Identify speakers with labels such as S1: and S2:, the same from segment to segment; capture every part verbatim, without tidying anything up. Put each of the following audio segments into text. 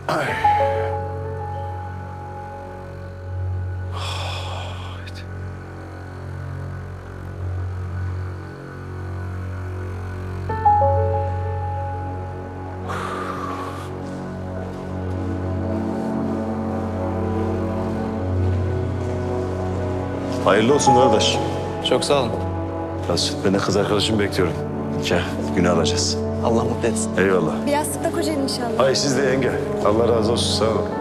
S1: Ay. Hayırlı olsun kardeş.
S2: Çok sağ olun.
S1: Mesut, ben de kız arkadaşımı bekliyorum. Nikah günü alacağız.
S2: Allah mutlu etsin.
S1: Eyvallah.
S3: Biraz sıkla kocan inşallah.
S1: Ay siz de yenge. Allah razı olsun. Sağ olun.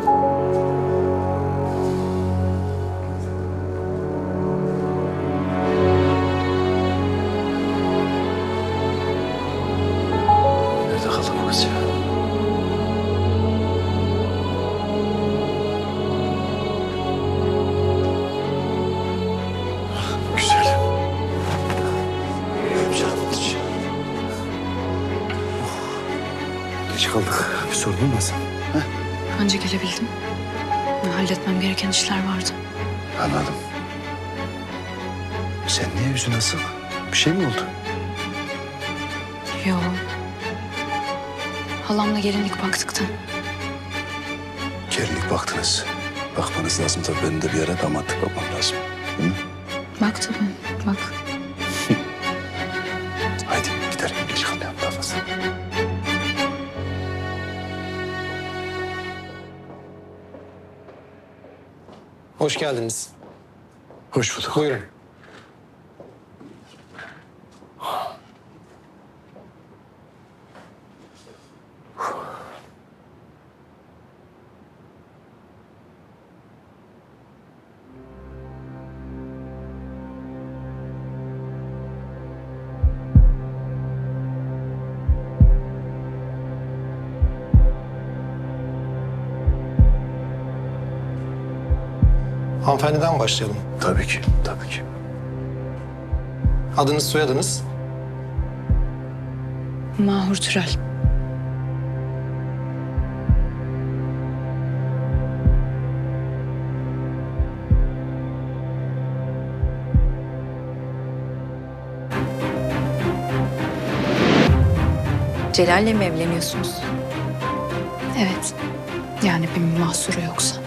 S1: Nerede kaldı bu kız ya? Güzel. Canım içi. Geç kaldık. Bir sorun olmasın.
S4: Anca gelebildim. Halletmem gereken işler vardı.
S1: Anladım. Sen niye yüzün asık? Bir şey mi oldu?
S4: Yo. Halamla gelinlik baktıktan.
S1: Gelinlik baktınız. Bakmanız lazım tabii. Benim de bir yere damatlık bakmam lazım. Değil mi?
S4: Bak tabii, bak.
S1: Haydi gidelim. Geç kalmayalım daha fazla.
S2: Hoş geldiniz.
S1: Hoş bulduk.
S2: Buyurun. Hanımefendiden başlayalım.
S1: Tabii ki, tabii ki.
S2: Adınız, soyadınız?
S4: Mahur Türel.
S5: Celal'le mi evleniyorsunuz?
S4: Evet. Yani bir mahsuru yoksa.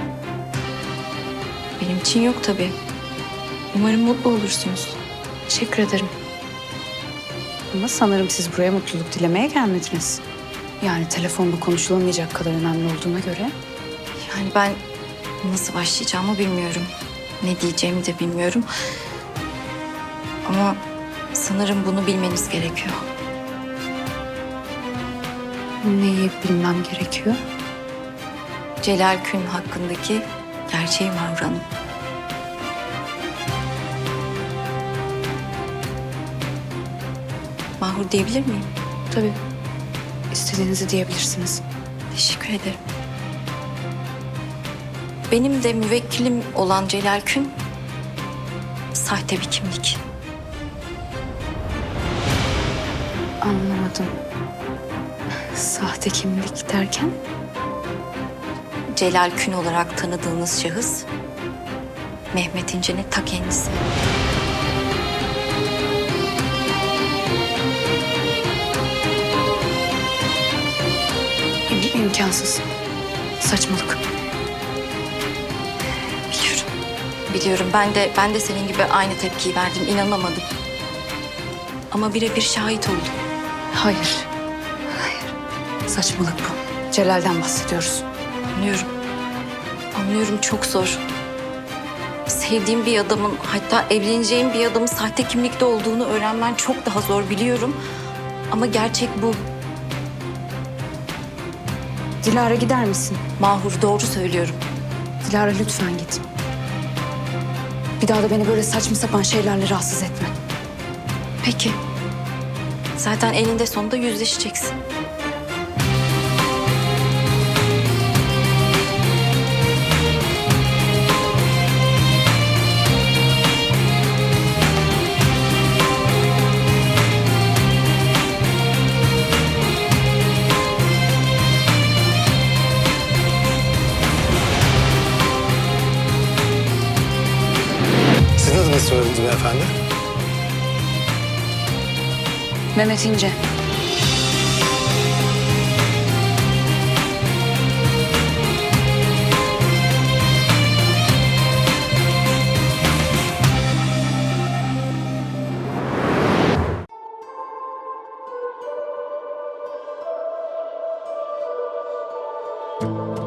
S5: Benim için yok tabii. Umarım mutlu olursunuz.
S4: Teşekkür ederim. Ama sanırım siz buraya mutluluk dilemeye gelmediniz. Yani telefonla konuşulamayacak kadar önemli olduğuna göre.
S5: Yani ben nasıl başlayacağımı bilmiyorum. Ne diyeceğimi de bilmiyorum. Ama sanırım bunu bilmeniz gerekiyor.
S4: Neyi bilmem gerekiyor?
S5: Celal Kün hakkındaki gerçeği Mahur Hanım. Mahur diyebilir miyim?
S4: Tabii. İstediğinizi diyebilirsiniz.
S5: Teşekkür ederim. Benim de müvekkilim olan Celal Kün sahte bir kimlik.
S4: Anlamadım. Sahte kimlik derken?
S5: Celal Kün olarak tanıdığınız şahıs Mehmet İnce'nin ta kendisi.
S4: İm imkansız. Saçmalık.
S5: Biliyorum. Biliyorum. Ben de ben de senin gibi aynı tepkiyi verdim. İnanamadım. Ama birebir şahit oldum.
S4: Hayır. Hayır. Saçmalık bu. Celal'den bahsediyoruz.
S5: Anlıyorum. Anlıyorum, çok zor. Sevdiğim bir adamın, hatta evleneceğim bir adamın sahte kimlikte olduğunu öğrenmen çok daha zor, biliyorum. Ama gerçek bu.
S4: Dilara gider misin?
S5: Mahur, doğru söylüyorum.
S4: Dilara lütfen git. Bir daha da beni böyle saçma sapan şeylerle rahatsız etme.
S5: Peki. Zaten eninde sonunda yüzleşeceksin.
S2: Sizin adınız, soyadınız beyefendi?
S4: Mehmet İnce.
S2: Buyurun.